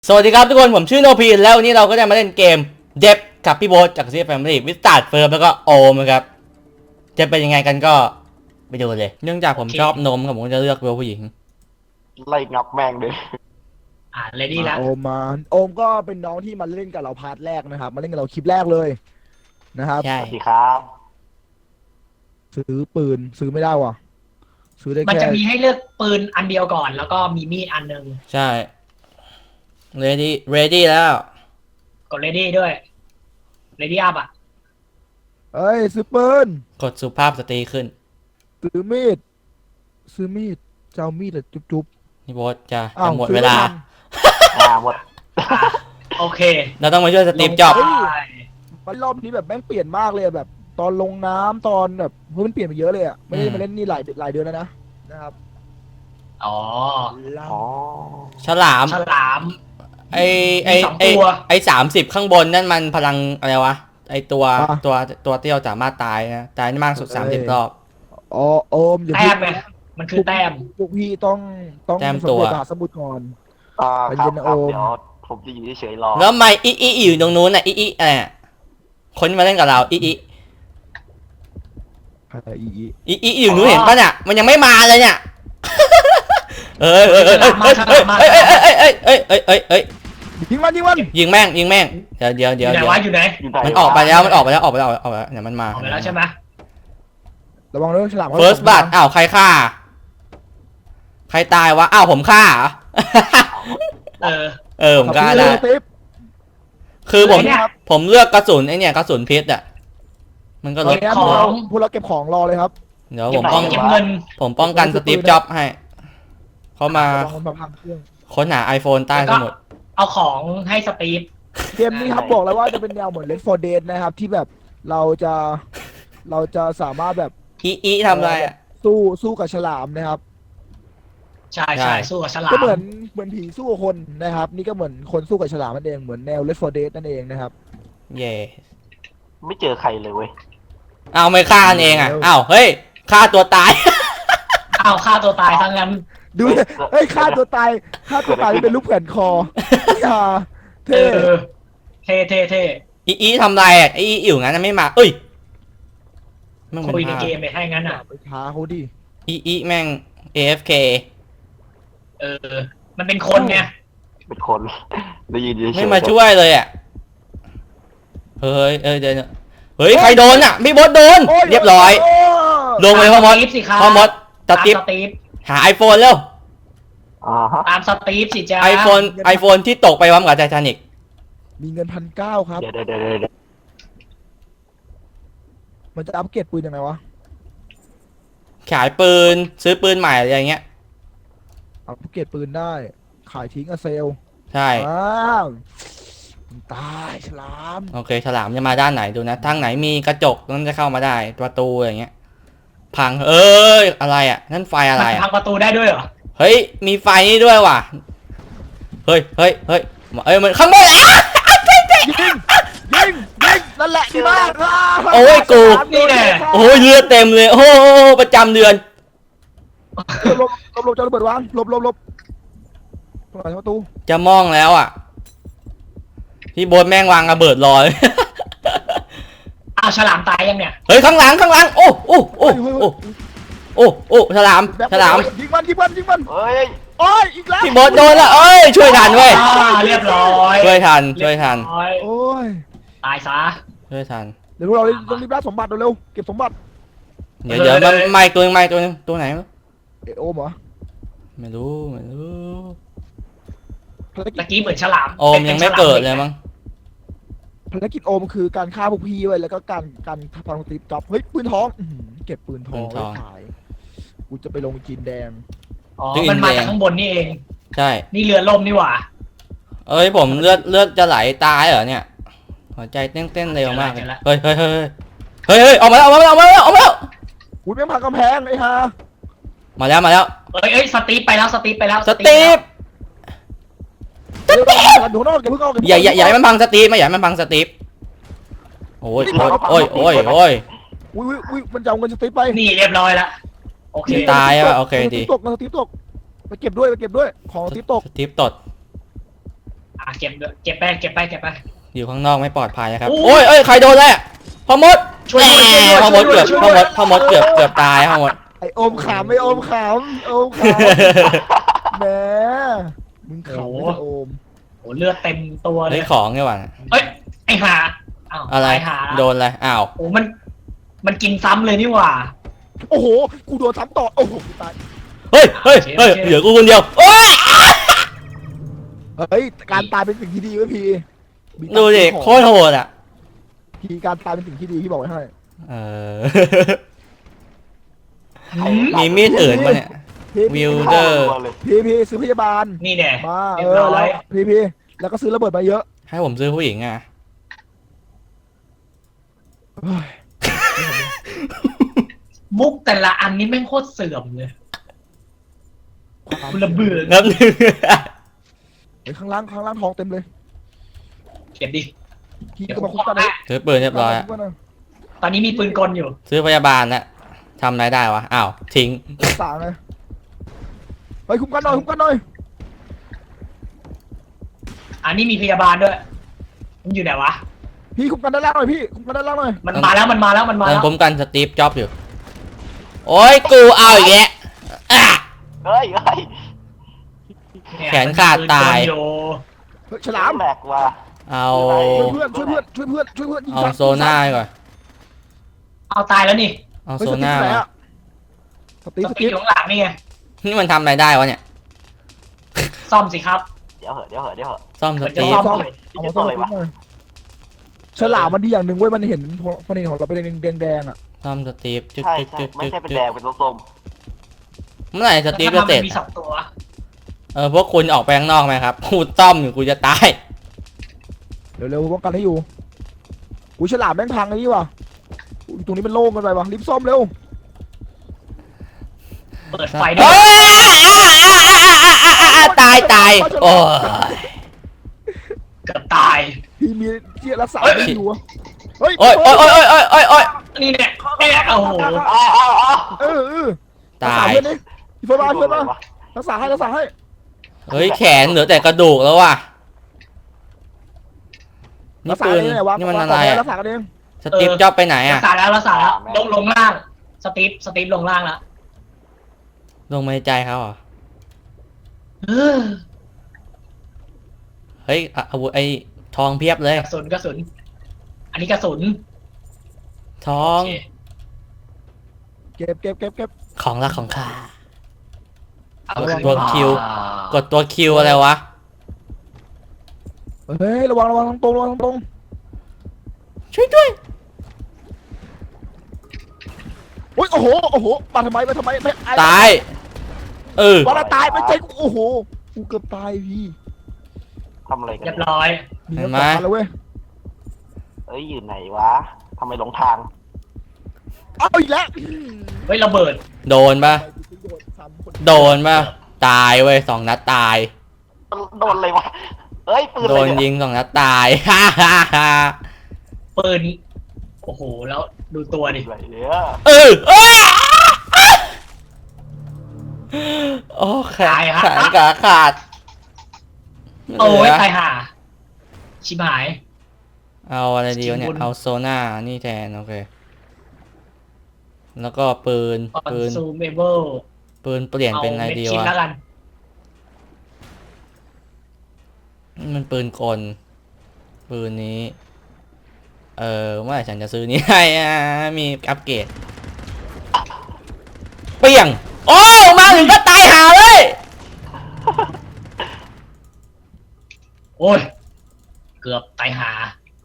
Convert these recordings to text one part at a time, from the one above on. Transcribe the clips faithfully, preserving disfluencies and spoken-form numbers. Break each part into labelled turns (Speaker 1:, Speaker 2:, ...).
Speaker 1: สวัสดีครับทุกคนผมชื่อโนพีแล้ววันนี้เราก็จะมาเล่นเกมเดฟกับพี่โบ๊ทจากซีแฟมิลี่วิสตาร์ดเฟิร์มแล้วก็โอมครับจะเป็นยังไงกันก็ไปดูเลยเนื่องจากผมชอบนมครับผมจะเลือกเวลผู้หญิง
Speaker 2: ไล่งับแม่งเลย
Speaker 3: อ่าเลดี้แล้ว
Speaker 4: โอมมาโอมก็เป็นน้องที่มาเล่นกับเราพาร์ทแรกนะครับมาเล่นกับเราคลิปแรกเลยนะครับ
Speaker 1: ใช่
Speaker 2: สวัสดีครับ
Speaker 4: ซื้อปืนซื้อไม่ได้ว่ะซื้อได้
Speaker 3: มัน
Speaker 4: แค่
Speaker 3: จะมีให้เลือกปืนอันเดียวก่อน แล้วก็มีมีดอันหนึ่ง
Speaker 1: ใช่ ready ready แล้ว
Speaker 3: กดเลดี้ด้วยเลดี้อัพอ่ะ
Speaker 4: เอ้ยซื้อปืน
Speaker 1: กดสุภาพสตรีขึ้น
Speaker 4: ซื้อมีดซื้อมีดจะเอามีดอะจุ๊บจุ๊บ
Speaker 1: พี่โบ๊ทจะ
Speaker 4: อ้า
Speaker 1: จะ
Speaker 4: ว
Speaker 1: หมด
Speaker 4: ซื้อ
Speaker 1: เวลา
Speaker 4: ไม่ทัน
Speaker 2: อ่าหมด
Speaker 3: อ่ะโอเค
Speaker 1: เราต้องมาช่วยสตีฟจ็อบส์
Speaker 3: ลงไป
Speaker 4: มันรอบนี้แบบแม่งเปลี่ยนมากเลยอะแบบ ตอนลงน้ำตอนแบบเฮ้ยมันเปลี่ยนไปเยอะเลยอ่ะไม่ได้มาเล่นนี่หลายหลายเดือนแล้วนะนะครับ
Speaker 3: อ๋อ
Speaker 2: อ๋อ
Speaker 1: ฉลาม
Speaker 3: ฉลาม
Speaker 1: ไอไอ
Speaker 3: มีสอง
Speaker 1: ไอ
Speaker 3: ตัว
Speaker 1: ไอสามสิบข้างบนนั่นมันพลังอะไรวะไอตัวตัวตัวที่เราสามารถตายนะตายได้มากสุดสามสิบรอบ
Speaker 4: อ๋อโอมอย่า
Speaker 3: แต้
Speaker 4: พู
Speaker 3: ม
Speaker 4: ด
Speaker 3: ไงมันคือแต้ม
Speaker 4: พวกพี่ต้องต้อง
Speaker 1: แต้ม
Speaker 4: สำ
Speaker 1: ตัว
Speaker 4: เร็จมหาสมุทรก่อน
Speaker 2: อ่า
Speaker 4: ไป
Speaker 2: ค
Speaker 4: เย็
Speaker 2: รับ
Speaker 4: นนะ
Speaker 2: ครับ
Speaker 4: โอม
Speaker 2: เดี๋ยวผมจะอยู่เฉยๆรอ
Speaker 1: แล้วไม่อีอีอยู่ตรงนู้นน่ะอีอีอะไรอะคนที่มาเล่นกับเราอีอี
Speaker 4: ใครอีอี
Speaker 1: อีอีอยู่นู้นเห็นปะเนี่ยมันยังไม่มาเลยเนี่ยเอ้ยเอ้ยเอ้ยเอ้ยเอ้ยเอ้ยเอ้ยเอ้ยเอ้ยเอ้ยเอ้ย
Speaker 4: ยิงมันยิงมัน
Speaker 1: ยิงแม่งยิงแม่งเดี๋ยวเดี๋ยว
Speaker 3: อ
Speaker 1: เดี๋ยว
Speaker 3: ยู่ไหน
Speaker 1: เดี๋ยว
Speaker 3: วะอยู่ไหน
Speaker 2: ยู่ไห
Speaker 1: มันออกไปแล้วมันออกไปแล้วออกไปแล้วออกไปแล้วเดี๋ยวมันมา
Speaker 3: ออกไปแล้วใช่ไหม
Speaker 4: ระวังเรื่องฉลาม
Speaker 1: เฟิร์สบัตอ้าวใครฆ่าใครตายวะอ้าวผมฆ่า
Speaker 3: เออ
Speaker 1: เออผมฆ่าได้
Speaker 4: ติ๊บ
Speaker 1: คือผม
Speaker 3: ไอ้เนี่ย
Speaker 1: ผมเลือกกระสุนไอเนี่ยกระสุนพิษอ่ะมันก็ลด
Speaker 4: ครับ
Speaker 3: ของ
Speaker 4: พวกเราพวกเราเก็บของรอเลยครับ
Speaker 1: เดี๋ยวผมป้อง
Speaker 3: เก็บเงิน
Speaker 1: ผมป้องกันสตีฟจ็อบส์ให้เขามา
Speaker 4: ระวังมันมาพังเครื่อง
Speaker 1: ค้นหา iPhone ใต้สมุด
Speaker 3: เอาของให้สตีฟ
Speaker 4: เกมนี้ครับบอกแล้วว่าจะเป็นแนวเหมือน Left โฟร์ Dead นะครับที่แบบเราจะเราจะสามารถแบบ
Speaker 1: อีอีทำอะไรอ่ะ
Speaker 4: สู้สู้กับฉลามนะครับ
Speaker 3: ใช่
Speaker 1: ใช่
Speaker 3: ใช่สู้กับฉลาม
Speaker 4: ก็เหมือนเหมือนผีสู้กับคนนะครับ นี่ก็เหมือนคนสู้กับฉลามนั่นเองเหมือนแนว Left โฟร์ Dead นั่นเองนะครับ
Speaker 1: เย่
Speaker 2: ไม่เจอใครเลยเว้ย
Speaker 1: เอาไม่ฆ่ากันเองอ่ะอ้าวเฮ้ยฆ่าตัวตาย
Speaker 3: เอาฆ่าตัวตายทั้งนั้น
Speaker 4: ดูดิเฮ้ยฆ่าตัวตายฆ่าตัวตายเป็นรูปแขวนคออย่า
Speaker 3: เอ
Speaker 4: เท่
Speaker 3: อเท่เท่เท่
Speaker 1: อีอีทำไรอ่ะอีอีอยู่งั้นนะไม่มาเอ้ยแม่งเป็น
Speaker 3: คุยใน
Speaker 1: ภาพ
Speaker 3: เกมไปให้งั้นอ่ะ
Speaker 4: ไปท้าเขาดิ
Speaker 1: อีอีแม่ง เอ เอฟ เค
Speaker 3: เออ มันเป็นคนไง
Speaker 2: เป็นคนได้ยินเฉยๆ
Speaker 1: ไม่มาช่วยเลยอ่ะเฮ้ยเอ้ยเดี๋ยวเฮ้ยใครโดนอ่ะพี่บดโดน
Speaker 4: โ
Speaker 1: เรียบร้อย
Speaker 4: โ
Speaker 1: ลงไปพ่อมด
Speaker 3: ตามสตีฟสิครับ
Speaker 1: พ่อมดส
Speaker 3: ตาม
Speaker 1: ติ๊บ
Speaker 3: สตีฟ
Speaker 1: หา iPhone เร็ว
Speaker 2: อ่าฮะ
Speaker 3: ตามสตีฟสิจ้า
Speaker 1: iPhone iPhone ที่ตกไปพร้อมกับไททานิก
Speaker 4: มีเงินพันเก้าครับ
Speaker 2: เดี๋ยวเดี๋ยวเดี๋ยวเดี๋ยว
Speaker 4: มันจะอัปเกรดปืนยังไงวะ
Speaker 1: ขายปืนซื้อปืนใหม่อะไรอย่างเงี้ย
Speaker 4: อัปเกรดปืนได้ ขายทิ้งอะเซล
Speaker 1: ใช่
Speaker 4: อ้าวมึงตายฉลาม
Speaker 1: โอเคฉลามจะมาด้านไหนดูนะทางไหนมีกระจกนั่นจะเข้ามาได้ประตูอะไรเงี้ยพังเอ้ยอะไรอ่ะนั่นไฟอะไร
Speaker 3: มัน
Speaker 1: อ่ะ
Speaker 3: พังประตูได้ด้วยเหรอ
Speaker 1: เฮ้ยมีไฟนี่ด้วยว่ะเฮ้ยเฮ้ยเฮ้ยเอ้ยมันข้างบนอ่ะ
Speaker 4: ยิงยิงยิงนั่นแหละดีมาก
Speaker 1: โอ้ยกู
Speaker 3: นี่แน่
Speaker 1: โอ้ยเลือดเต็มเลยโอ้โหประจำเดือน
Speaker 4: หลบหลบหลบจะระเบิดวางหลบหลบหลบตรงไหนประตู
Speaker 1: จะมองแล้วอ่ะพี่โบ๊ทแม่งวางระเบิดรอเลย
Speaker 3: อ้าวฉลามตายยังเนี่ย
Speaker 1: เฮ้ยข้างหลังข้างหลังโอ้โอ้โอ้โอ้โอ้โอ้ฉลามฉลาม
Speaker 4: ยิงมันยิงมันยิงมัน
Speaker 2: เฮ้ย
Speaker 4: โอ้ยอีกแล้ว
Speaker 1: พี่โบ๊ทโดนแล้วเอ้ยช่วยทันเว้ย
Speaker 3: อ่าเรียบร้อย
Speaker 1: ช่วยทันช่วยทัน
Speaker 3: เรีบร้อย
Speaker 4: โอ้ย
Speaker 3: ตายซะ
Speaker 1: ช่วยทัน
Speaker 4: เดี๋ยวพวกเราต้องรีบล่าสมบัติเร็วๆเก็บสมบัติ
Speaker 1: เดี๋ยวเดี๋ยวมันไม่ตัวนึงไม่ตัวนึงตัวไหนวะ
Speaker 4: เอโอมเหรอ
Speaker 1: ไม่รู้ไม่รู้
Speaker 4: ภารกิ
Speaker 3: ตะ
Speaker 4: จ
Speaker 3: กี้เหมือนฉลาม
Speaker 1: โอมยังไม่เกิดเลยมั้ง
Speaker 4: ภารกิจโอมคือการฆ่าพวกพี่ไว้แล้วก็การการพังตีจับเฮ้ยปืนทองอื้อหือเก็บปืนทองไว้ขายกูจะไปลงจีนแดง
Speaker 3: อ๋อมันมาจากข้างบนนี่เอง
Speaker 1: ใช่
Speaker 3: นี่เรือล่มนี่หว่า
Speaker 1: เอ้ยผมเลือดเลือดจะไหลตายเหรอเนี่ยหัวใจเต้นเต้นเร็วมากเลยเฮ้ยเฮ้ยเฮ้ยเฮ้ยเฮ้ยออกมาแล้วออกมาแล้วออกมาแล้วออกมาแล้ว
Speaker 4: อุ้ยแม่งพังกำแพงไอ้ห่า
Speaker 1: มาแล้วมาแล้ว
Speaker 3: เอ้ยเอ้ยสตีฟไปแล้วสตีฟไปแล้ว
Speaker 1: สตีฟ
Speaker 4: เดี๋ยวเราดูนอกอย่าเพิ่งเอา
Speaker 1: อย่าอย่าอย่าให้มันพังสตีฟไม่อย่าให้มันพังสตีฟโอ้ยโอ้ยโอ้ยโอ้ย
Speaker 4: อุ้ยอุ้ยอุ้ยมันจะเอาเงินสตีฟไป
Speaker 3: นี่เรียบร้อยละโอเค
Speaker 1: ตายอ่ะโอเคดี
Speaker 4: สตีฟตกเงินสตีฟตกไปเก็บด้วยไปเก็บด้วยของสตีฟตก
Speaker 1: สตีฟตด
Speaker 3: อ่ะเก็บด้วยเก็บไปเก็บไปเก็บไป
Speaker 1: อยู่ข้างนอกไม่ปลอดภัยนะครับ
Speaker 3: โอ้
Speaker 1: โอ้ยเอ้ยใครโดนแล้วพ่อมด
Speaker 3: ช่วยด้วยช่วยด้วย
Speaker 1: พ่อมด
Speaker 3: ช่วยด้วย
Speaker 1: เกือบพ่อมดพ่อมดเกือบเกือบตายพ่อมด
Speaker 4: ไอโอมขำไอโอมขำโอมขำแหมมึงขำไม่ใช่โอม
Speaker 3: โอ้เลือดเต็มตัวเล
Speaker 1: ได้
Speaker 3: ย
Speaker 1: ของนี่หว่า
Speaker 3: เอ้ยไอ้ห่าอ้าว
Speaker 1: อะไร
Speaker 3: ตายห่า
Speaker 1: โดนอะไรอ้าว
Speaker 3: โอ้มันมันกินซ้ำเลยนี่หว่า
Speaker 4: โอ้โหกูโดนซ้ำต่อโอ้โหกูตาย
Speaker 1: เฮ้ยเฮ้ยเฮ้ย
Speaker 3: โอเค
Speaker 1: เหลือกูคนเดียวโอ้ย
Speaker 4: เฮ้ยการตายเป็นสิ่งที่ดีเว้ยพี่มี
Speaker 1: ดูดิโคตรโหดอ่ะ
Speaker 4: พี่การตายเป็นสิ่งที่ดีพี่บอกไว้ให้
Speaker 1: เออ
Speaker 3: หืม
Speaker 1: มีมีดอื่นปะเนี่ย
Speaker 4: พี่
Speaker 1: วิ
Speaker 4: พี่
Speaker 1: วเดอร์
Speaker 2: ตัวเลย
Speaker 4: พี่พี่ซื้อพยาบาล
Speaker 3: นี่แน่
Speaker 4: มา
Speaker 3: เรี
Speaker 4: เอย
Speaker 3: บ
Speaker 4: อ
Speaker 3: ร้อย
Speaker 4: แล้วพี่พี่แล้วก็ซื้อระเบิดมาเยอะ
Speaker 1: ให้ผมซื้อผู้หญิงอ่ะ
Speaker 4: เฮ้ย
Speaker 3: มุกแต่ละอันนี้แม่งโคตรเสื่อมเลยคุณระเบือ
Speaker 1: นับหนึ่ง
Speaker 4: เฮ้ยข้างล่างข้างล่างทองเต็มเลย
Speaker 3: เก็บดิ
Speaker 4: พี่
Speaker 3: เดี๋ยว
Speaker 4: ก็
Speaker 3: ผ
Speaker 4: มาม คุ้
Speaker 3: ข
Speaker 4: ม
Speaker 3: อ
Speaker 4: กัน
Speaker 3: ให้
Speaker 1: ซื้อปืนเรียบร้อยอะ
Speaker 4: คุ้มกันหน่อย
Speaker 3: ตอนนี้มีปืนกลอยู่
Speaker 1: ซื้อพยาบาลนะทำอะไรได้วะอ้าวทิ้ง
Speaker 4: รักษาไงเฮ้ยคุ้มกันหน่อยคุ้มกันหน่อย
Speaker 3: อันนี้มีพยาบาลด้วย มันอยู่ไหนวะ
Speaker 4: พี่คุ้มกันด้านล่างหน่อยพี่คุ้มกันด้านล่างหน่อย
Speaker 3: มันมาแล้วมันมาแล้วมันมา
Speaker 1: เออ
Speaker 3: แล้ว
Speaker 1: ผมกันสตีฟจ็อบอยู่ โอ้ยกูเอาอีกแล้วอ่ะ
Speaker 2: เฮ้ยเฮ้ย
Speaker 3: เนี่ย
Speaker 1: แขนขาดตาย
Speaker 3: มันมีปืนกลอยู่
Speaker 4: เฮ้ยฉลาม
Speaker 2: แหลกว่ะ
Speaker 1: เอา
Speaker 4: ช่วยเพื่อนช่วยเพื่อนช่วยเพื่อนช่วยเพื่อนยิง
Speaker 1: เอา
Speaker 4: ซ้ำ
Speaker 1: โซน่าก่อน
Speaker 3: เอาตายแล้วนี่
Speaker 1: เอา
Speaker 4: เฮ้ย
Speaker 1: โซ
Speaker 4: สติ๊ก
Speaker 1: น่า
Speaker 4: ไหน
Speaker 1: มา
Speaker 4: อะสติ๊ก
Speaker 3: ส
Speaker 4: ส
Speaker 3: ติ๊
Speaker 4: ติ๊
Speaker 3: ก
Speaker 4: ก
Speaker 3: อยู่ข้างหลังนี่ไง
Speaker 1: นี่มันทำอะไรได้วะเนี่ย
Speaker 3: ซ่อมสิครับ
Speaker 2: เดี๋ยวเหอะเดี๋ยวเหอะเดี๋ยวเหอะ
Speaker 1: ซ่อมส
Speaker 3: มันจะ
Speaker 1: ตี
Speaker 3: ซ่
Speaker 1: ฟ
Speaker 3: อม
Speaker 4: เอามาซ่อมสติ๊กหน่อยฉลามมันดีอย่างหนึ่งเว้ยมันเห็นมันเห็นของเราเป็นแดงแดงๆอ่ะ
Speaker 1: ซ่อมสตีฟจึ๊ก
Speaker 2: ใช่
Speaker 1: จึ๊ก
Speaker 2: ใช่
Speaker 1: จึ๊ก
Speaker 2: ไม่
Speaker 1: จึ๊ก
Speaker 2: ใช่เป็น
Speaker 1: จึ๊
Speaker 2: แด
Speaker 1: ก
Speaker 2: งเป็นส้ม
Speaker 1: เมื่อไหร่สตีฟ
Speaker 3: แล้ว
Speaker 1: จะเสร็จ
Speaker 3: ทำไมมันมีสองตัว
Speaker 1: เออพวกคุณออกไปข้างนอกไหมครับกูต้อมอยู่กูจะตาย
Speaker 4: เร็วๆป้องกันให้อยู่อุ้ยฉลามแม่งพังไอ้นี่ว่ะอุ๊ยตรงนี้มันโล่งกันไปว่ะรีบซ่อมเร็ว
Speaker 3: เปิดไฟด้ว
Speaker 1: เฮ้
Speaker 3: ย
Speaker 1: ยตายตายโอ้ย
Speaker 3: เกือบตาย
Speaker 4: พี่มีที่รักษา
Speaker 3: เฮ้ย
Speaker 4: ไม่อยู่อะเฮ้ย
Speaker 1: โอ้ยโอ้ยโอ้ยโอ้ยโอ้ยโอ้ย
Speaker 3: นี่เนี่ยเนี่ยโอ้โห
Speaker 2: ๆอ้าวอ้าวอ้าว
Speaker 4: เออเออรัก
Speaker 1: ตา
Speaker 4: ษาย เพื่อนนี่พี่เฟิร์นมาพี่เฟิร์นมา
Speaker 2: วะ
Speaker 4: รักษาให้รักษาให้
Speaker 1: เฮ้ยแขนเหลือแต่กระดูกแล้วว่ะนี่
Speaker 4: รักษา
Speaker 1: ปืน
Speaker 4: เองไงวะ
Speaker 1: นี่มัน
Speaker 4: วาง
Speaker 1: อะไร
Speaker 4: ก่
Speaker 1: อะ
Speaker 4: รักษากันเอง
Speaker 1: สตีฟจ็อบไปไหน
Speaker 3: รั
Speaker 1: อะ
Speaker 3: กษาแล้วรักษาแล้วลงลงล่างสตีฟสตีฟลงล่างแล้ว
Speaker 1: ลงมาในใจเขาเหรอ
Speaker 3: เออ
Speaker 1: เฮ้ยอ่ะอาวุธไอ้ทองเพียบเลย
Speaker 3: กระสุนกระสุน อันนี้กระสุน
Speaker 1: ทอง
Speaker 3: โอเค
Speaker 4: เก็บเก็บเก็บเก็บ
Speaker 1: ของรักของข้า
Speaker 3: เอา
Speaker 1: ตัว
Speaker 3: คืน
Speaker 1: ตัวคิว
Speaker 3: อ่าก
Speaker 1: ดตัวคิวอะไรวะ
Speaker 4: เฮ้ยระวังระวังตรงๆระวังตรง
Speaker 1: ช่วยด้วย
Speaker 4: ๆโอ้ยโอ้โหโอ้โหมาทำไมมาทำไมไม่ไอ้
Speaker 1: ตาย เออ
Speaker 4: วันละตายไม่ใช่กูโอ้โหกูเกือบตายพี่
Speaker 2: ทำอะไรกัน
Speaker 3: เรียบ
Speaker 2: เนี่ย
Speaker 3: ร้อย
Speaker 4: มี
Speaker 1: เห็น
Speaker 4: รัก
Speaker 1: ไหม
Speaker 4: ษาแล้วเว้ย
Speaker 2: เอ้ยอยู่ไหนวะทำไมหลงทาง
Speaker 4: เอาอีกแล้ว
Speaker 3: เฮ้ยระเบิด
Speaker 1: โดนปะโดนปะตายเว้ยสองนัดตาย
Speaker 2: โดนเลยวะเอ้ยปืน
Speaker 1: โด
Speaker 2: อะไร
Speaker 1: น
Speaker 2: เนี่ย
Speaker 1: ยิงสองนัดตาย ฮ่าฮ่าฮ่า
Speaker 3: ปืนโอ้โหแล้วดูตัวดิ
Speaker 2: อะไรเนี่ย
Speaker 1: เออเอ้ยโอ้แขนแขนขาขาด
Speaker 3: โอ้ย
Speaker 1: เหลือ
Speaker 3: ตายห่าชิบหาย
Speaker 1: เอาอะไรดีวะเนี่ย
Speaker 3: สกิลบน
Speaker 1: เอาโซน่านี่แทน โอเค แล้วก็ปืน
Speaker 3: คอน
Speaker 1: ปืน
Speaker 3: ซูเมเบิล
Speaker 1: ปืนเปลี่ยนเป็นอะไรดี
Speaker 3: ชิ้น
Speaker 1: วะ
Speaker 3: แล้วกัน
Speaker 1: มันปืนกล ปืนนี้ เออเมื่อไหร่ฉันจะซื้อนี้ให้อ่ะมีอัปเกรด เปี้ยง โอ้มาถึงก็ตายหาเลย
Speaker 3: โอ้ยเกือบตายหา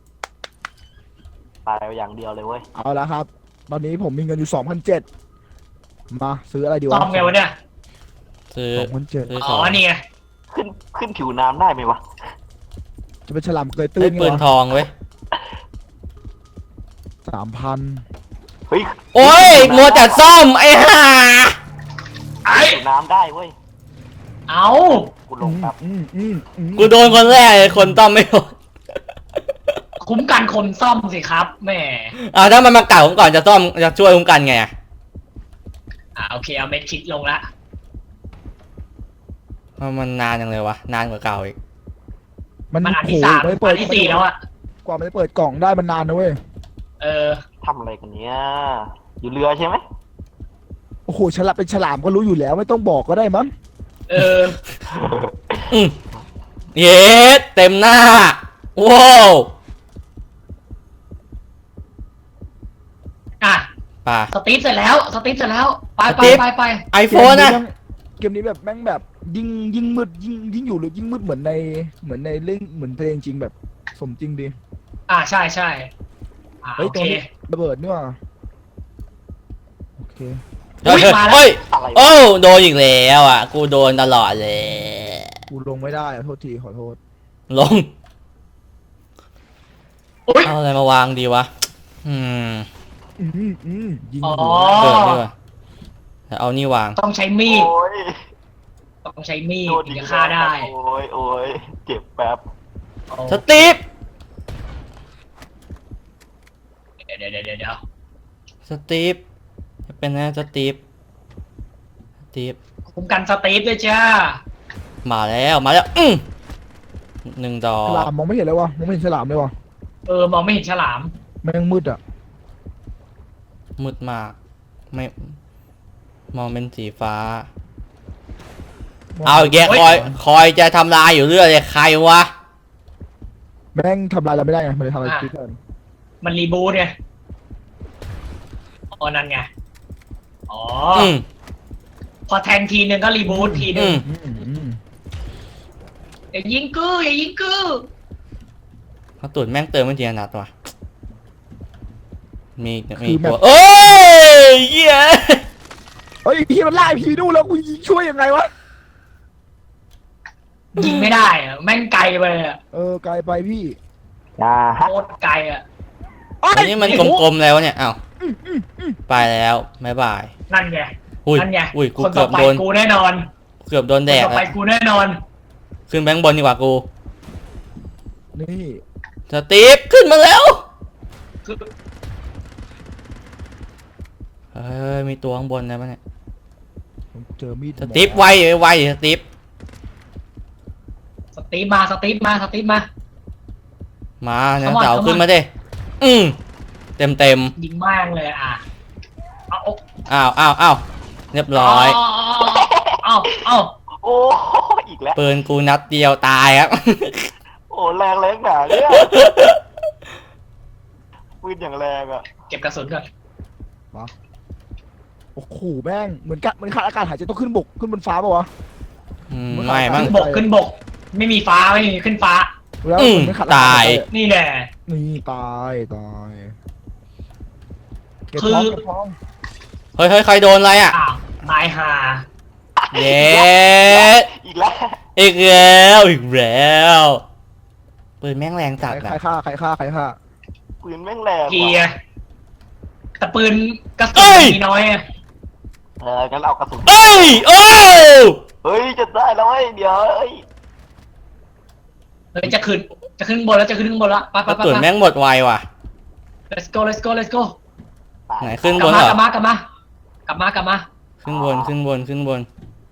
Speaker 2: ตายไปอย่างเดียวเลยเว้ย
Speaker 4: เอาละครับ ตอนนี้ผมมีเงินอยู่สองพันเจ็ดมาซื้ออะไรดีวะ
Speaker 3: ซ่อมไงวะเนี่ย
Speaker 1: ซื้อ
Speaker 4: สองพันเจ็ด
Speaker 1: ซื้อ
Speaker 3: อ๋
Speaker 1: ขอ
Speaker 3: อง นี่ไง
Speaker 2: ขึ้นขึ้นผิวน้ำได้ไหมวะ
Speaker 4: จะเป็นฉลามเกยตื้
Speaker 1: ได้
Speaker 4: น
Speaker 1: ปืนทองเว้ย
Speaker 4: สามพัน
Speaker 2: เฮ้ย
Speaker 1: โอ้ยมัวแต่ซ่อมไอ้ห่า
Speaker 3: ไอ้
Speaker 2: ผิวน้ำได้เว้ย
Speaker 3: เอา
Speaker 2: กูลงครับ
Speaker 4: อืมอืมอืม
Speaker 1: กูโดนคนแรกเลยคนต้อมไม่โดน
Speaker 3: คุ้มกันคนซ่อมสิครับแหม่
Speaker 1: อ่าถ้ามันมาเก่าผมก่อนจะต้อมจะช่วยคุ้มกันไงอ่ะ
Speaker 3: อ่าโอเคเอาเม็ดคิดลงละ
Speaker 1: เพราะมันนานยังเลยวะ นานกว่าเก่าอีก
Speaker 4: มัน
Speaker 3: มันอัน
Speaker 4: โอ้
Speaker 3: ที่
Speaker 4: โห
Speaker 3: สาม
Speaker 4: ไม่ได้เปิ
Speaker 3: อั
Speaker 4: ด
Speaker 3: นที่สี่แล้วอะ
Speaker 4: กว่ามันจะเปิดกล่องได้มันนานนะเว้ย
Speaker 3: เออ
Speaker 2: ทำอะไรกันเนี้ยอยู่เรือใช่ไหม
Speaker 4: โอ้โหฉลามเป็นฉลามก็รู้อยู่แล้วไม่ต้องบอกก็ได้มั้ง
Speaker 3: เออ
Speaker 1: อืมเย็ดเต็มหน้าว้าว
Speaker 3: อ่ะ
Speaker 1: ป่า
Speaker 3: สตีฟเสร็จแล้ว สตีฟเสร็จแล้ว ไป
Speaker 1: ส
Speaker 3: ไป
Speaker 1: ตีฟ
Speaker 3: ไปไป
Speaker 1: ไอโฟนนะ
Speaker 4: เกมนี้แบบแม่งแบบยิ่งยิ่งมืดยิ่งยิ่งอยู่หรือยิ่งมืดเหมือนในเหมือนในเรื่องเหมือนเพลงจริงแบบสมจริงดี
Speaker 3: อ่ะใช่ใช่อ่ะ
Speaker 4: เฮ้ย
Speaker 3: โอ
Speaker 4: ตร
Speaker 3: เค
Speaker 4: งนี้ระเบิดนี่หว่าโอเค
Speaker 1: เฮ้ย
Speaker 3: อุ๊ยมาแล้ว
Speaker 1: เฮ้ย
Speaker 2: อะไรวะ
Speaker 1: โอ้โดนอีกแล้วอ่ะ กูโดนตลอดเลย
Speaker 4: กูลงไม่ได้อะโทษทีขอโทษ
Speaker 1: ลง
Speaker 3: อุ๊ย
Speaker 1: เอาอะไรมาวางดีวะ อืม
Speaker 4: อืมอืมยิง
Speaker 3: อ๋อ
Speaker 4: หัว
Speaker 1: เกิดดีกว่าแล้วเอานี่วาง
Speaker 3: ต้องใช้มีด
Speaker 2: โอ้ย
Speaker 3: ต้องใช้มีด
Speaker 2: โดน
Speaker 3: ถึง
Speaker 2: อีก
Speaker 3: จะฆ่าได้
Speaker 2: โอ้ยโอ้ยเจ็บแป๊บ
Speaker 1: สตีฟ
Speaker 3: เดี๋ยวเดี๋ยวเดี๋ยวเดี๋ยว
Speaker 1: สตีฟเป็นนะสตีฟสตีฟ
Speaker 3: คุ้มกันสตีฟด้วยจ้า
Speaker 1: มาแล้วมาแล้วอืมหนึ่งดอ
Speaker 4: ฉลาก มมองไม่เห็นเลยวะมองไม่เห็นฉลามเลยวะ
Speaker 3: เออ มองไม่เห็นฉลาม
Speaker 4: แม่งมืดอ่ะ
Speaker 1: มืดมาก ไม่ มองเป็นสีฟ้า
Speaker 4: มง
Speaker 1: เอาอีกแก
Speaker 3: โอ๊ย
Speaker 1: คอย คอยจะทำลายอยู่เรื่อยเลยใครวะ
Speaker 4: แม่งทำลายเราไม่ได้ไงมันเลยทำอะไรคิดกัน
Speaker 3: มันรีบูทไงอ๋อนั่นไง อ๋ออ
Speaker 1: อืม
Speaker 3: พอแทงทีนึงก็รีบูททีนึ
Speaker 1: อื
Speaker 3: ง
Speaker 1: ม
Speaker 4: อืมอืม
Speaker 3: อย่ายิงกูอย่ายิงกู
Speaker 1: เขาตุ่นแม่งเติมไม่ทีละนัดว่ะ มีมี
Speaker 4: คือแบบ
Speaker 1: ตัวเอ้ยเหี้ย
Speaker 4: เฮ้ยพี่มันไล่พี่ดูแล้วกูยิงช่วยยังไงวะ
Speaker 3: ยิงไม่ได้อะแม่งไกลไปอะ
Speaker 4: เออไกลไปพี่
Speaker 2: อ่าฮะ
Speaker 3: โคตรไกลอะ
Speaker 1: อันนี้มันกลมๆแล้วเนี่ย อ้าว ไปแล้วบ๊ายบาย
Speaker 3: นั่นไง
Speaker 1: อุ้ย
Speaker 3: นั่นไง
Speaker 1: อุ้ย กู
Speaker 3: คน
Speaker 1: เกื
Speaker 3: ต่
Speaker 1: อ
Speaker 3: อบ ไป
Speaker 1: โดน
Speaker 3: กูแน่นอน
Speaker 1: เกือบโดน
Speaker 3: ค
Speaker 1: แด
Speaker 3: น
Speaker 1: ก
Speaker 3: ต่อไป
Speaker 1: อะ
Speaker 3: กูแน่นอน
Speaker 1: ขึ้นแบงค์บนดีกว่ากู
Speaker 4: นี่
Speaker 1: สตีฟขึ้นมาแล้ว
Speaker 3: คือ
Speaker 1: เฮ้ย มีตัวข้างบนนะปะเนี่ย
Speaker 4: ผมเจอมีด
Speaker 1: สตีฟไวไวสตีฟ
Speaker 3: สตีฟมาสตีฟมาสตีฟมา
Speaker 1: มาเนี่ย
Speaker 3: Come on
Speaker 1: เสา
Speaker 3: come on
Speaker 1: ขึ้นมาดิอืมเต็มเต็ม
Speaker 3: ยิงมากเลยอ่ะเอาเอา
Speaker 1: อ้าวอ้าวอ้าวเรียบร้อย
Speaker 3: เอาเอา
Speaker 2: โอ้อีกแล้ว
Speaker 1: ปืนกูนัดเดียวตายครับ
Speaker 2: โอ้แรงแรงหนาเนี่ยปืนอย่างแรงอ่ะ
Speaker 3: เก็บกระสุนก่อน
Speaker 4: โอ้โหแม่งเหมือนกันเหมือนขาดอากาศหายใจต้องขึ้นบกขึ้นบนฟ้าป่าวะ
Speaker 1: อืมไม่มั้ง
Speaker 3: ขึ้นบกขึ้นบก ไม่มีฟ้าไม่มีขึ้นฟ้า
Speaker 4: แล้ว
Speaker 1: อืม
Speaker 4: เหมือนขาดอากาศ
Speaker 1: ตาย
Speaker 4: หใจ
Speaker 3: นี่แน่
Speaker 4: นี่ตายตายเก็บ
Speaker 3: คือ
Speaker 4: ท้องเก็บท้อง
Speaker 1: เฮ้ยเฮ้ยใครโดนอะไรอ่ะ
Speaker 3: อ้าวตายห่า
Speaker 1: เย้
Speaker 2: อีกแล้ว
Speaker 1: อีกแล้วอีกแล้วปืนแม่งแรงจัด
Speaker 4: ใคร
Speaker 1: อะ
Speaker 4: ใครฆ่าใครฆ่าใครฆ่า
Speaker 2: ปืนแม่งแรง
Speaker 3: เกีย
Speaker 2: ว่ะ
Speaker 3: ร์แต่ปืนกระสุ
Speaker 1: เอ้
Speaker 3: น
Speaker 1: ย
Speaker 3: มีน้อยอะ
Speaker 2: เอองั้นเอากระสุน
Speaker 1: เอ้ยโอ้
Speaker 2: เฮ้ยจะได้แล้วเว้ยเดี๋ยวเอ้ย
Speaker 3: เฮ้ยจะขึ้นจะขึ้นบนแล้วจะขึ้นข้างบนแล้วไป
Speaker 1: ก
Speaker 3: ไป
Speaker 1: ระ
Speaker 3: ไป
Speaker 1: สุน
Speaker 3: ไป
Speaker 1: แม่งหมดไวว่ะ
Speaker 3: let's go let's go let's go
Speaker 2: ตาย
Speaker 1: ไหนขึ้น
Speaker 3: ก
Speaker 1: บ
Speaker 3: ลับ
Speaker 1: น
Speaker 3: มา
Speaker 1: เหร
Speaker 3: กลั
Speaker 1: อบ
Speaker 3: มากลับมากลับมากลับมา
Speaker 1: ขึ้นบนขึ้นบนขึ้นบน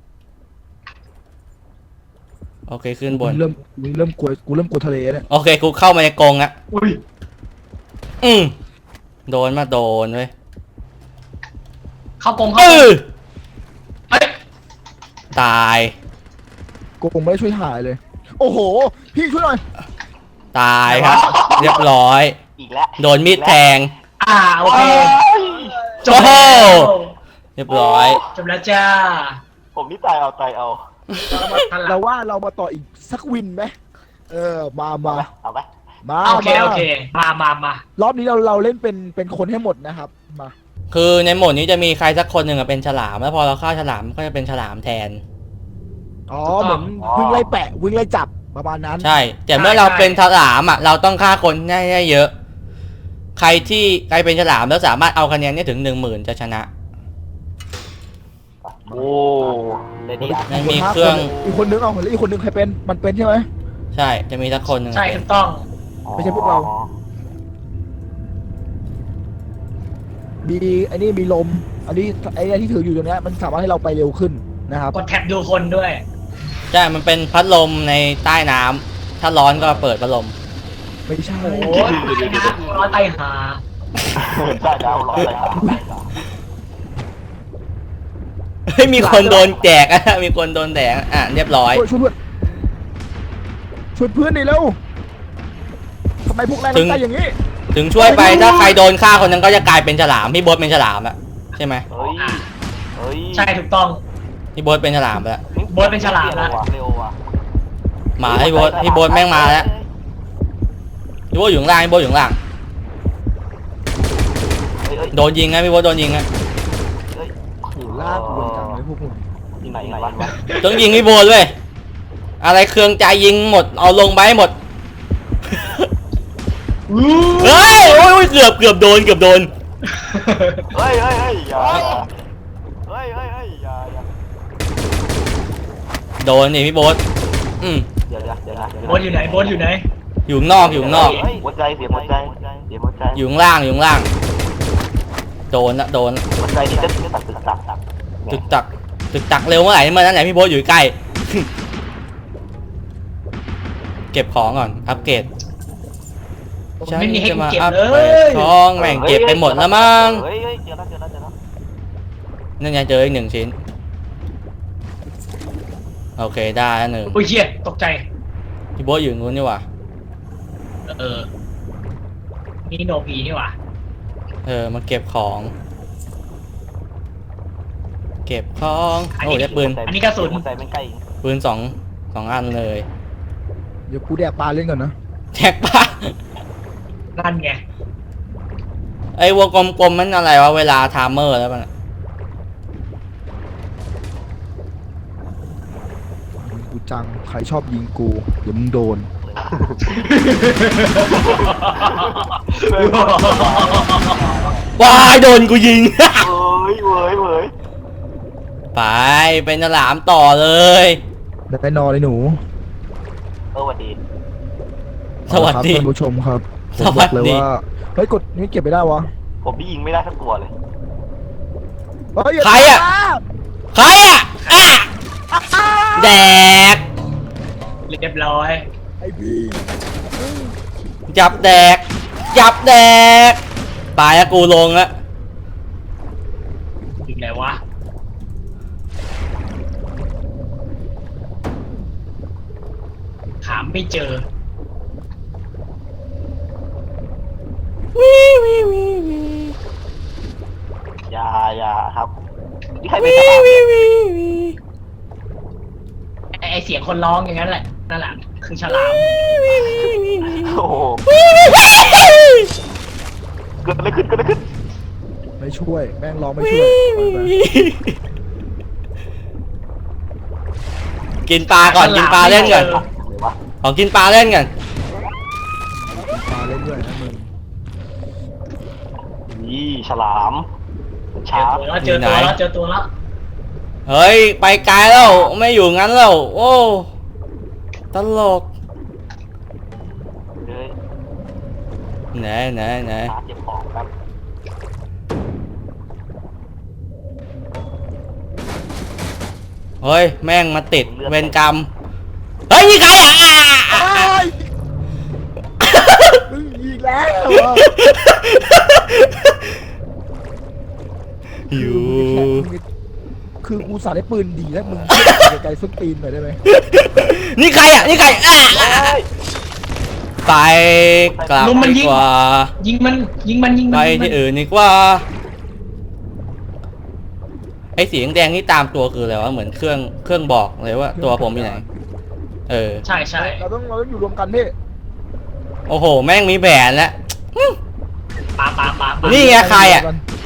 Speaker 1: โอเคขึ้นบน
Speaker 4: กูเริ่มกูเริ่มกลัวกูเริ่มกลัวทะเลเนี่ย
Speaker 1: โอเคกูเข้ามาในกรงอะ
Speaker 3: อุ้ย
Speaker 1: อืมโดนมาโดนเว้ย
Speaker 3: เข้ากรง
Speaker 1: เอ
Speaker 3: เข้ากรง
Speaker 1: อ
Speaker 3: เฮ้ย
Speaker 1: ตาย
Speaker 4: กูคงไม่ได้ช่วยถ่ายเลย โอ้โห พี่ช่วยหน่อย
Speaker 1: ตายครับ เรียบร้อย
Speaker 2: อีกแล้ว
Speaker 1: โดนมีดแทง
Speaker 3: อ่าโอเค
Speaker 2: โอ้ย
Speaker 3: จบแล้ว
Speaker 1: เรียบร้อย
Speaker 3: จบแล้วจ้า
Speaker 2: ผมนี่ตายเอาตายเอา
Speaker 4: เราว่าเรามาต่ออีกสักวินไหมเออมามา
Speaker 2: เอาไป
Speaker 4: มา
Speaker 3: โอเค
Speaker 4: มา
Speaker 3: โอเค มามามา
Speaker 4: รอบนี้เราเราเล่นเป็นเป็นคนให้หมดนะครับมา
Speaker 1: คือในโหมดนี้จะมีใครสักคนหนึ่งอะเป็นฉลาม แล้วพอเราฆ่าฉลามก็จะเป็นฉลามแทน
Speaker 4: อ๋อเหมือนวิ่งไล่แปะวิ่งไล่จับประมาณนั้น
Speaker 1: ใช่ แต่เมื่อเราเป็นฉลามอะเราต้องฆ่าคนได้ได้เยอะ ใครที่ใครเป็นฉลามแล้วสามารถเอาคะแนนเนี่ยถึงหนึ่งหมื่นจะชนะ
Speaker 2: โอ้เดี๋ยวนี้
Speaker 1: มันมีเครื่อง
Speaker 4: อีกคนนึงเอาแล้วอีกคนนึงใครเป็นมันเป็นใช่ไหม
Speaker 1: ใช่ จะมีสักคนหนึ่งอะ
Speaker 3: ใช่
Speaker 1: เป็
Speaker 3: ถู
Speaker 1: น
Speaker 3: กต้อง
Speaker 4: ไม่ใช่พวกเรา มีไอ้นี่มีลม อันนี้ไอ้เนี่ยที่ถืออยู่ตรงเนี้ยมันสามารถให้เราไปเร็วขึ้นนะครับ
Speaker 3: กดแท็บดูคนด้วย
Speaker 1: ใช่ มันเป็นพัดลมในใต้น้ำทถ้าร้อนก็เปิดพัดลม
Speaker 4: ไม่ใช่
Speaker 3: โอ้ยนะร้อนไตหา
Speaker 2: ได้ดาวร้อยเลยครับ
Speaker 1: เฮ้ยมีคนโดนแจกอะ มีคนโดนแดกอ่ะเรียบร้อย
Speaker 4: ช่วยช่วยเพื่อนช่วยเพื่อนหน่อยเร็วทำไมพวกนายต้องใจอย่างนี้
Speaker 1: ถึงช่วยไปถ้าใครโดนฆ่าคนนั้นก็จะกลายเป็นฉลามพี่โบ๊ทเป็นฉลามอะใช่ไหม
Speaker 2: เฮ้ยเฮ้ย
Speaker 3: ใช่ถูกต้อง
Speaker 1: พี่โบ๊ทเป็นฉลามไปแล้ว
Speaker 3: โบ๊ทเป็นฉลามละ
Speaker 2: เร็วว่ะ
Speaker 1: มาพี่โบ๊ทพี่โบ๊ทแม่งมาแล้วพี่โบ๊ทอยู่ข้างล่างพี่โบ๊ทอยู่ข้างล่าง
Speaker 2: เฮ้ยเฮ้ย
Speaker 1: โดนยิงนะพี่โบ๊ทโดนยิงนะ
Speaker 2: เฮ้ย
Speaker 4: โหลากกูจังเลยพวกมึง
Speaker 2: ที่ไหนไหนวะ
Speaker 1: ต้องยิงพี่โบ๊ทเลยอะไรเครื่องใจยิงหมดเอาลงไปให้หมดเฮ้ยโอ้ยเกือบเกือบโดนเกือบโดน
Speaker 2: เฮ้ยเฮ้ยเฮ้ยอย่าเฮ้ยเฮ้ยเฮ้ยอย่าอย่า
Speaker 1: โดนนี่พี่โบ๊ทอืม
Speaker 2: เดี๋ยวนะเดี๋ยวนะ
Speaker 3: โบ๊ทอยู่ไหนโบ๊ทอยู่ไหน
Speaker 1: อยู่ข้างนอกอยู่ข้างนอก
Speaker 2: เฮ้ยหัวใจเสียหัวใจเสียหัวใจ
Speaker 1: อยู่ข้างล่างอยู่ข้างล่างโดนละโดน
Speaker 2: หัวใจนี่จะตัดตึกตัก
Speaker 1: ตึกตักตึกตักเร็วเมื่อไหร่เมื่อนั้นไหนพี่โบ๊ทอยู่ใกล้ เก็บของก่อนอัปเกรด
Speaker 3: ผมไม่มีให้กูเก็บ
Speaker 1: อัป
Speaker 3: เล
Speaker 1: เกรด
Speaker 3: ย
Speaker 1: ของแม่งเก็บไปหมดแล้วมั้ง
Speaker 2: เฮ้ยเฮ้ยเจอแล้วเจอแล้วเจอแล้ว
Speaker 1: นั่นไงเจออีกหนึ่งชิ้นโอเคได้แล้วหนึ่ง
Speaker 3: โอ้ยเชี่ยตกใจ
Speaker 1: พี่โบ๊ทอยู่นู้นนี่หว่า
Speaker 3: เออนี่โนพีนี่หว่า
Speaker 1: เออมาเก็บของ เก็บของโอ้ได้ปืน
Speaker 3: อันนี้กระสุน
Speaker 2: หัวใจมันใกล้
Speaker 1: ปืนสองสองอันเลย
Speaker 4: เดี๋ยวกูแดกปลาเล่นก่อนนะ
Speaker 1: แท็กป้า
Speaker 3: นั่นไง
Speaker 1: ไอ้วงกลมๆมันอะไรวะเวลาไทม์เมอร์แล้วมันอะ
Speaker 4: กูจังใครชอบยิงกูเดี๋ยวมึงโดน
Speaker 1: ว้ายโดนกูยิง
Speaker 2: เว้ยเว้ยเว้ย
Speaker 1: ไปเป็นฉลามต่อเลย
Speaker 4: ได้นอนเลยหนู
Speaker 2: เออสวัสดี
Speaker 1: สวัสดี
Speaker 4: เอาละครับท่านผู้ชมครับผม
Speaker 1: ส
Speaker 4: บ
Speaker 1: วั
Speaker 4: อ
Speaker 1: ส
Speaker 4: กเลย
Speaker 1: ดี
Speaker 4: ว่าเฮ้ยกดนี่เก็บไม่ได้วะ
Speaker 2: ผมพี่ยิงไม่ได้สักตัวเลย
Speaker 4: เฮ้ยย่า
Speaker 1: ใครอะ ใครอ่ะอ่ะแดก
Speaker 3: เรียบร้อย
Speaker 4: ไอ้พี่
Speaker 1: จับแดก จับแดกตายแล้วกูลงละ
Speaker 3: อีกไหนวะถามไม่เจอ
Speaker 1: วิวิวิวิ
Speaker 2: อย่าอย่าครับนี่ใคร
Speaker 1: วิ
Speaker 2: เป็นฉลาม
Speaker 1: วิวิวิ
Speaker 3: ไอไอเสียงคนร้องอย่างนั้นแหละนั่นแหละคือฉลาม
Speaker 2: โอ้โหเกิดอะไรขึ้นเกิดอะไรขึ้น
Speaker 4: ไม่ช่วยแม่งร้องไม่ช่วยไปไป
Speaker 1: กินปลาก่อนกินปลาเล่นก่อน
Speaker 2: อะไรวะ
Speaker 1: ขอกินปลาเล่นก่อน
Speaker 4: ปลาเล่นด้วยนะมึง
Speaker 2: นี่ฉลาม
Speaker 3: เจ
Speaker 2: ช้า
Speaker 3: อตัวแล้วเจอตัวแล้วเจอตัวแล้ว
Speaker 1: เฮ้ยไปไกลแล้วไม่อยู่งั้นแล้วโอ้ตลก
Speaker 2: เลย
Speaker 1: ไหนไหนไหน
Speaker 2: ช้าเก็บของครับ
Speaker 1: เฮ้ยแม่งมาติดเวรกรรมเฮ้ยนี่ใครอ่ะอ่ะอ่ะอ่ะ
Speaker 4: มึงยิงแล้วอะ
Speaker 1: อยู่
Speaker 4: คือกูสาดได้ปืนดีแล้วมึงไกลๆส้นตีนหน่อยได้ไหม
Speaker 1: นี่ใครอ่ะนี่ใครอ่ะอ่ะไปกลับดีกว่า
Speaker 3: ยิงมันยิงมันยิง
Speaker 1: ไป
Speaker 3: มันยิงมัน
Speaker 1: ที่อื่นดีกว่าไอ้สีแดงๆนี่ตามตัวคืออะไรวะเหมือนเครื่องเครื่องบอกเลยว่าตัวผมอยู่ไหนเออ
Speaker 3: ใช่ใช่
Speaker 4: เราต้องเราต้องอยู่รวมกันพี่
Speaker 1: โอ้โหแม่งมีแผนแล้ว
Speaker 3: ปาปาปาปา
Speaker 1: นี่ไงใครอ่ะ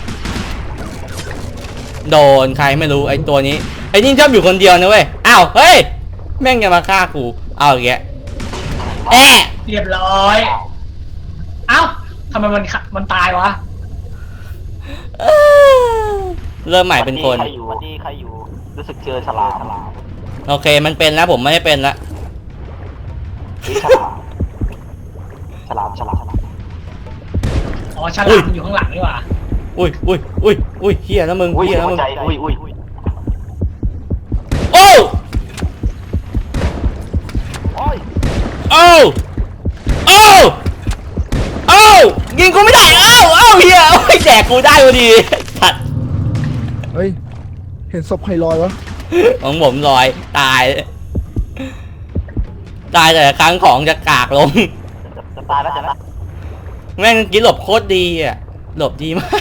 Speaker 1: โดนใครไม่รู้ไอ้ตัวนี้ไอ้นี่ชอบอยู่คนเดียวนะเว้ยอ้าวเฮ้ยแม่งจะมาฆ่ากูเอาอย่างเงี้ยแอะ
Speaker 3: เรียบร้อย เอ้าทำไมมันมันตายวะ
Speaker 1: เออเริ่มใหม่เป็นคน
Speaker 2: ใครอยู่วันนี้ใครอยู่รู้สึกเจอฉลามฉลาม
Speaker 1: โอเคมันเป็นแล้วผมไม่ได้เป็นละ
Speaker 2: นี่ฉลามฉลามฉลามฉลาม
Speaker 3: อ๋อฉลามอยู่ข้างหลังนี่หว่า
Speaker 1: อุ้ยอุ้ยอุ้ยอุ้ยเฮียนะมึง
Speaker 2: อุ้ย
Speaker 1: เฮียนะ
Speaker 2: หั
Speaker 1: มึ
Speaker 2: ว
Speaker 1: ง
Speaker 2: ใจอุ้ยอุ้ย
Speaker 1: โอ้
Speaker 2: โอ้ย
Speaker 1: โอ้เอ้าเอ้ายิงกูไม่ได้เอ้าเอ้าเฮียโอ้ยแดกกูได้พอดีตัด
Speaker 4: เฮ้ยเห็นศพใครลอยวะ
Speaker 1: ของผมลอยตาย ตายแต่ละครั้งของจะกากลง
Speaker 2: จะตายแล้วจะนะ
Speaker 1: แม่งกินหลบโคตรดีอ่ะหลบดีมาก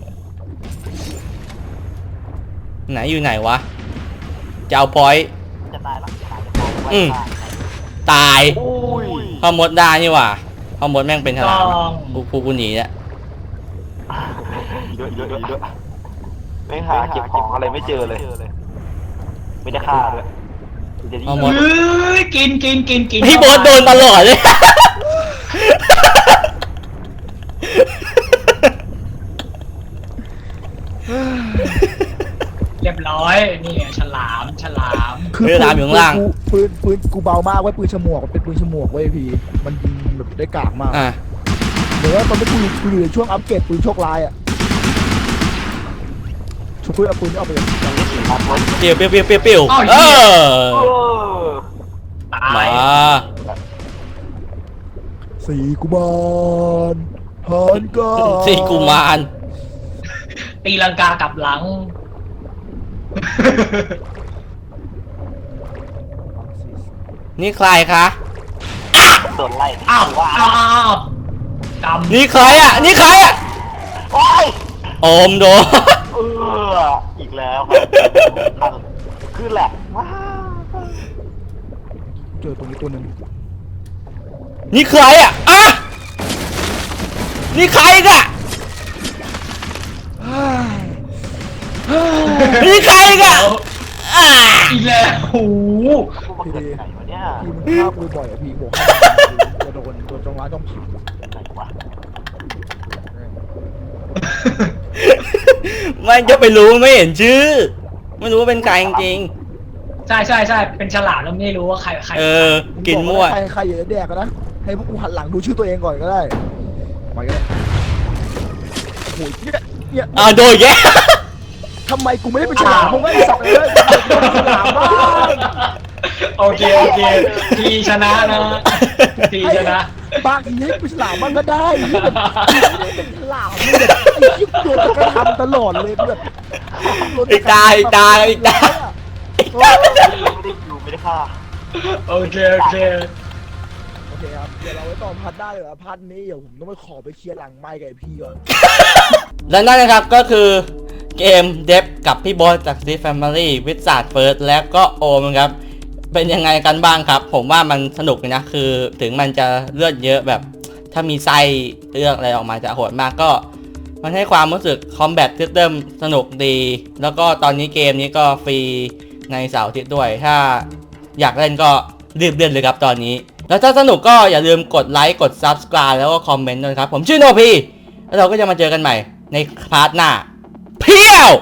Speaker 1: ไหนอยู่ไหนวะจะเอาพอยต์
Speaker 2: จะตายแล้วจะตายจะตาย
Speaker 1: อืม ตาย
Speaker 2: อุ้ย
Speaker 1: พ่อมดได้นี่หว่าพ่อมดแม่งเป็นฉลาม
Speaker 3: ต้อง
Speaker 1: กูกูกูหนีแล้ว
Speaker 2: เยอะเยอะเยอะไม่หาเก็บของอะไรไม่เจอเลยไม่ได้ฆ่าด้วย
Speaker 1: พ่อมด
Speaker 3: เอ้ยกินกินกินกิน
Speaker 1: พี่โบทโดนตลอดเลย
Speaker 3: เรียบร้อยนี่ไงฉลามฉลาม
Speaker 4: คือ
Speaker 1: เวลาอยู่ข้างล่าง
Speaker 4: ปืนปืนกูเบามากเว้ยปืนฉมวกมันเป็นปืนฉมวกเว้ยพี่มันยิงแบบได้กากมาก
Speaker 1: อ่ะ
Speaker 4: เดี๋ยวว่าตอนนี้กูอยู่กูอยู่ในช่วงอัปเกรดปืนโชคร้ายอ่ะช่วยเอาปืนนี้เอาไปเลย
Speaker 1: เปียวเปียวเปียวเปียวเปียวเออ
Speaker 3: ตาม
Speaker 1: าย
Speaker 4: สีกุมารฮันก็
Speaker 1: สี่กุมาร
Speaker 3: ตีลังกากลับหลัง
Speaker 1: นี่ใครคะ
Speaker 2: โดนไล่
Speaker 3: อ้าวอ้าวอ้าวกำ
Speaker 1: นี่ใครอ่ะนี่ใครอ่ะ
Speaker 2: โอ้ย
Speaker 1: โอมโดน
Speaker 2: เอออีกแล้วครับคือแหลกว้า
Speaker 4: เจอตรงนี้ตัวหนึ่ง
Speaker 1: นี่ใครอ่ะอ่ะนี่ใครอีกอ่ะนี่ใครอีกอ่ะอ่ะ
Speaker 3: อีกแล้วโอ้โห
Speaker 2: พวกมันเกิดไหนวะเนี่ย
Speaker 4: พี่มันฆ่ากูบ่อยอะพี่บอกให้จะโดนโดนจังหวะต้องผิด
Speaker 2: ไหนวะ
Speaker 1: มันจะไปรู้ไม่เห็นชื่อ ไม่รู้ว่าเป็นใครจริง
Speaker 3: ใช่ใช่ใช่เป็นฉลามแล้วไม่รู้ว่าใครใคร
Speaker 1: ๆเออ กินมั่ว
Speaker 4: ใครใครอย่าแดกกันนะให้พวกกูหันหลังดูชื่อตัวเองก่อนก็ได้ไปก็ได้โอ้โหเนี่ยเนี่ย
Speaker 1: อ่าโดนแย่
Speaker 4: ทำไมกูไม่ได้เป็นฉลามมึงไม่ได้สับเลยเป็นฉลามบ้าง
Speaker 3: โอเคโอเคทีชนะนะทีชนะ
Speaker 4: บางทีให้เป็นฉลามบ้างก็ได้ที่แบบไม่ได้เป็นฉลามแบบไอ้ยิ่งโดนกระทำตลอดเลยแบบ
Speaker 1: อีกตาอีกตาอีกตา
Speaker 2: ไม่ได้อยู่ไม่ได้ฆ่า
Speaker 3: โอเคโอเค
Speaker 4: โอเคครับเดี๋ยวเราไว้ต่อพัดได้เหรอพัดนี้เดี๋ยวผมต้องไปขอไปเคลียร์หลังไมค์กับไอ้พี่ก่อน
Speaker 1: และนั่นนะครับก็คือเกมเดฟกับพี่โบอสจาก Sleep Family วิสาดเฟิร์สและก็โอมครับเป็นยังไงกันบ้างครับ ผมว่ามันสนุกนะคือถึงมันจะเลือดเยอะแบบถ้ามีไส้เลือกอะไรออกมาจะโหดมากก็มันให้ความรู้สึกคอมแบทซิสเต็มสนุกดี แล้วก็ตอนนี้เกมนี้ก็ฟรีในเสาร์อาทิตย์ด้วย ถ้าอยากเล่นก็รีบเล่นเลยครับตอนนี้ แล้วถ้าสนุกก็อย่าลืมกดไลค์กด Subscribe แล้วก็คอมเมนต์ด้วยครับผมชื่อโนพีแล้วเราก็จะมาเจอกันใหม่ในพาร์ทหน้าเพียว